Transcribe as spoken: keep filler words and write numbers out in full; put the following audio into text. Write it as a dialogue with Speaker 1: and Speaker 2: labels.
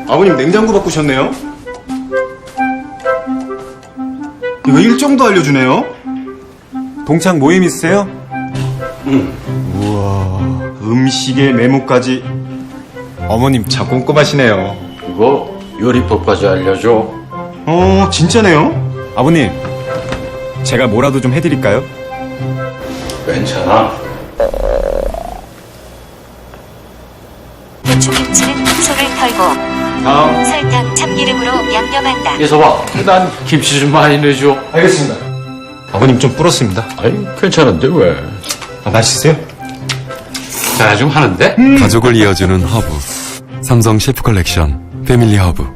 Speaker 1: 아버님 냉장고 바꾸셨네요? 이거 일정도 알려주네요?
Speaker 2: 동창 모임 있으세요?
Speaker 1: 응. 우와, 음식에 메모까지. 어머님 참 꼼꼼하시네요.
Speaker 3: 그거 요리법까지 알려줘.
Speaker 1: 어, 진짜네요?
Speaker 2: 아버님, 제가 뭐라도 좀 해드릴까요?
Speaker 3: 괜찮아.
Speaker 4: 고추김치는 속을 털고
Speaker 1: 다음.
Speaker 4: 설탕, 참기름으로 양념한다.
Speaker 3: 이서봐, 난 김치 좀 많이 내줘.
Speaker 1: 알겠습니다. 아버님 좀 불었습니다.
Speaker 3: 아이, 괜찮은데 왜?
Speaker 1: 아, 맛있으세요?
Speaker 3: 자, 좀 하는데?
Speaker 5: 가족을 이어주는 허브. 삼성 셰프 컬렉션 패밀리 허브.